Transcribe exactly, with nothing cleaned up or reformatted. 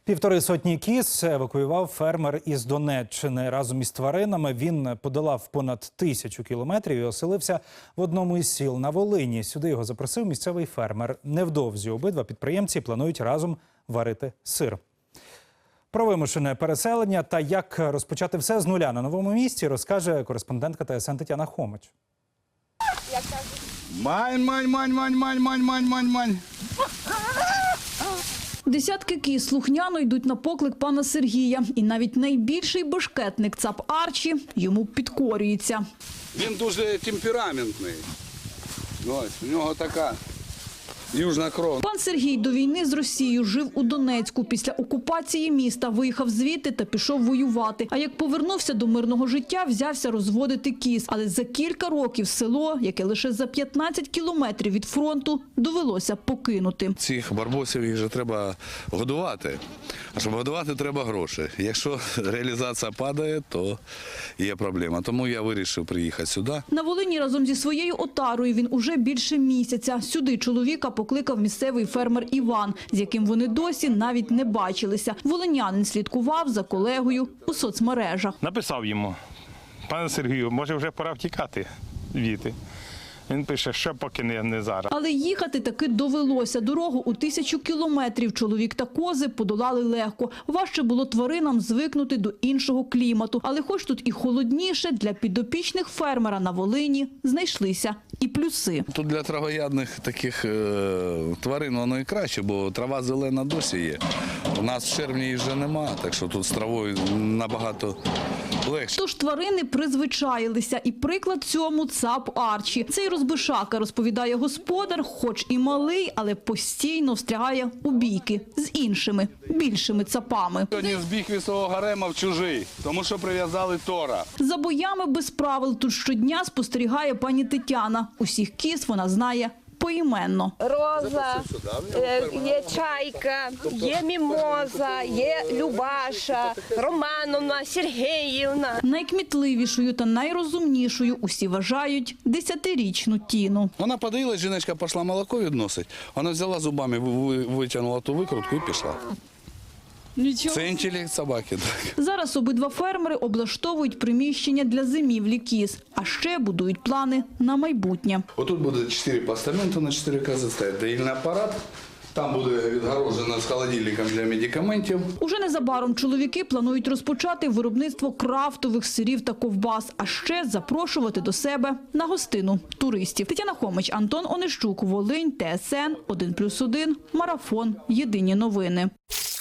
Півтори сотні кіз евакуював фермер із Донеччини. Разом із тваринами він подолав понад тисячу кілометрів і оселився в одному із сіл на Волині. Сюди його запросив місцевий фермер. Невдовзі обидва підприємці планують разом варити сир. Про вимушене переселення та як розпочати все з нуля на новому місці розкаже кореспондентка Т С Н Тетяна Хомич. Мань, мань, мань, мань, мань, мань, мань, мань, мань. Десятки кіз слухняно йдуть на поклик пана Сергія. І навіть найбільший бешкетник цап Арчі йому підкорюється. Він дуже темпераментний. Ось, у нього така южна кров. Пан Сергій до війни з Росією жив у Донецьку. Після окупації міста виїхав звідти та пішов воювати. А як повернувся до мирного життя, взявся розводити кіз. Але за кілька років село, яке лише за п'ятнадцять кілометрів від фронту, довелося покинути. Цих барбосів їх же треба годувати. А щоб годувати, треба гроші. Якщо реалізація падає, то є проблема. Тому я вирішив приїхати сюди. На Волині разом зі своєю отарою він уже більше місяця. Сюди чоловіка покликав місцевий фермер Іван, з яким вони досі навіть не бачилися. Волинянин слідкував за колегою у соцмережах. Написав йому: пане Сергію, може вже пора втікати звідти. Він пише, що поки не, не зараз. Але їхати таки довелося. Дорогу у тисячу кілометрів чоловік та кози подолали легко. Важче було тваринам звикнути до іншого клімату. Але хоч тут і холодніше, для підопічних фермера на Волині знайшлися і плюси. Тут для травоядних таких е, тварин воно і краще, бо трава зелена досі є. У нас в червні її вже нема, так що тут з травою набагато легше. Тож тварини призвичаїлися. І приклад цьому цап Арчі. Цей розбишака, розповідає господар, хоч і малий, але постійно встрягає у бійки з іншими, більшими цапами. Сьогодні збіг від свого гарема в чужий, тому що прив'язали тора. За боями без правил тут щодня спостерігає пані Тетяна. Усіх кіз вона знає поіменно. Роза, е, є Чайка, є Мімоза, є Любаша, Романовна, Сергіївна. Найкмітливішою та найрозумнішою усі вважають десятирічну Тіну. Вона подоїлась, жіночка пішла молоко відносить, вона взяла зубами, ви- витягнула ту викрутку і пішла. Нічого. Це інтелект собаки. Так. Зараз обидва фермери облаштовують приміщення для зимівлі кіз, а ще будують плани на майбутнє. Отут буде чотири постаменту на чотири кози стоять, доїльний апарат, там буде відгорожено з холодильником для медикаментів. Уже незабаром чоловіки планують розпочати виробництво крафтових сирів та ковбас, а ще запрошувати до себе на гостину туристів. Тетяна Хомич, Антон Онищук, Волинь, Т С Н один плюс один, Марафон, Єдині новини.